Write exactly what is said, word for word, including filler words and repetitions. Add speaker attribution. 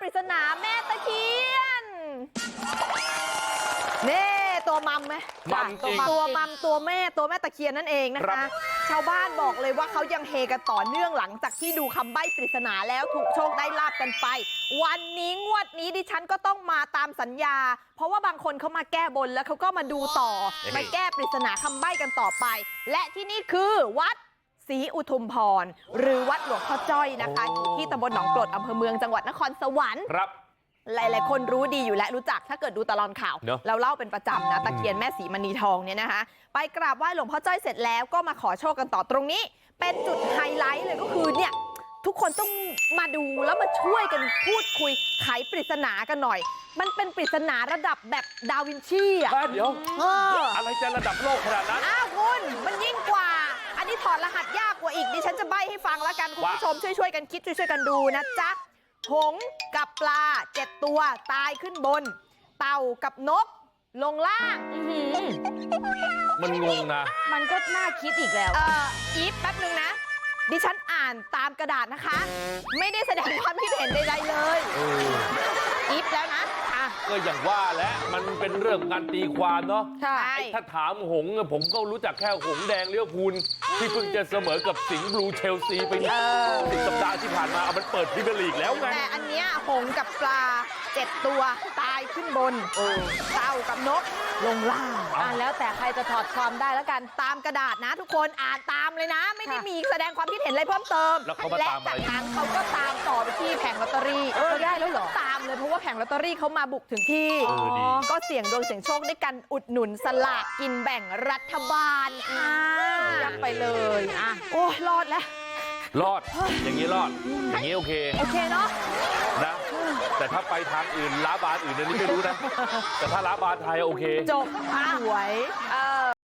Speaker 1: ริศนาแม่ตะเคียนเน่ตัวมัมไหม
Speaker 2: มัมจริง
Speaker 1: ตัวมัมตัวแม่ตัวแม่ตะเคียนนั่นเองนะคะชาวบ้านบอกเลยว่าเขายังเฮกันต่อเนื่องหลังจากที่ดูคำใบ้ปริศนาแล้วถูกโชคได้ลาบกันไป วันนี้งวดนี้ดิฉันก็ต้องมาตามสัญญา เพราะว่าบางคนเขามาแก้บนแล้วเขาก็มาดูต่อมาแก้ปริศนาคำใบ้กันต่อไป และที่นี่คือวัดศรีอุทุมพรหรือวัดหลวงพ่อจ้อยนะคะอยู่ที่ตำบลหนองกรดอำเภอเมืองจังหวัดนครสวรรค์
Speaker 2: ครับ
Speaker 1: หลายๆคนรู้ดีอยู่และรู้จักถ้าเกิดดูตลอดข่าว
Speaker 2: เนอะ
Speaker 1: เราเล่าเป็นประจำนะตะเคียนแม่ศรีมณีทองเนี่ยนะคะ ไปกราบไหว้หลวงพ่อจ้อยเสร็จแล้วก็มาขอโชคกันต่อตรงนี้ เป็นจุดไฮไลท์เลยก็คือเนี่ยทุกคนต้องมาดูแล้วมาช่วยกันพูดคุยไขปริศนากันหน่อย มันเป็นปริศนาระดับแบบดาวินชีอ่ะ
Speaker 2: อ่ะเดี๋ยว
Speaker 1: เออ
Speaker 2: อะไรจะระดับโลกขนาดนั้น
Speaker 1: อ้าวคุณมันยิ่งกว่า อันนี้ถอดรหัสยากกว่าอีกดิฉันจะใบ้ให้ฟังแล้วกันคุณผู้ชมช่วยๆกันคิดช่วยๆกันดูนะจ๊ะหงส์กับปลาเจ็ดตัวตายขึ้นบน เต่ากับนกลงล่าง
Speaker 2: มันงงนะ
Speaker 3: มันก็น่าคิดอีกแล้ว
Speaker 1: เอ่ออีฟแป๊บนึงนะ ดิฉันอ่านตามกระดาษนะคะ ไม่ได้แสดงความคิดเห็นใดๆเลย
Speaker 2: เออ
Speaker 1: อีฟแล้วนะอ่ะ
Speaker 2: ก็อย่างว่าแหละมันเป็นเรื่องการตีความเนาะ
Speaker 1: ใช่
Speaker 2: ถ้าถามหงส์อะผมก็รู้จักแค่หงส์แดงเลี้ยวพูลที่เพิ่งจะเสมอกับสิงห์บลูเชลซีไปสิบสัปดาห์ที่ผ่านมาเอามันเปิดพรีเมียร์ลีกแล้วไง
Speaker 1: แต่อันเนี้ยหงส์กับปลาเจ็ดตัวตายขึ้นบนเต่ากับนกลงล่าง
Speaker 3: อ่าแล้วแต่ใครจะถอดความได้แล้วกัน
Speaker 1: ตามกระดาษนะทุกคนอ่านตามเลยนะ ไม่ได้
Speaker 3: ค่ะ
Speaker 1: มีแสดงความคิดเห็นอะไรเพิ่มเติม
Speaker 2: แล้วเขามา
Speaker 1: และ
Speaker 2: ตามอะไร
Speaker 1: จากนั้นเขาก็ตามต่อไปที่แผงลอตเตอรี่
Speaker 3: เออได้แล้วเหรอ
Speaker 1: ตามเลยเพราะว่าแผงลอตเตอรี่เขามาบุกถึงที่
Speaker 2: เออดี
Speaker 1: ก็เสี่ยงดวงเสี่ยงโชคด้วยกันอุดหนุนสลากกินแบ่งรัฐบาลค่ะ
Speaker 3: ยักไปเลยอ่ะ
Speaker 1: โอ้ยรอดแล้ว
Speaker 2: รอด อย่างนี้รอด อย่างนี้โอเค
Speaker 1: โอเคเนาะ
Speaker 2: นะ แต่ถ้าไปทางอื่นล้าบานอื่นอันนี้ไม่รู้นะ แต่ถ้าล้าบานไทยโอเค
Speaker 1: จบสวยเออ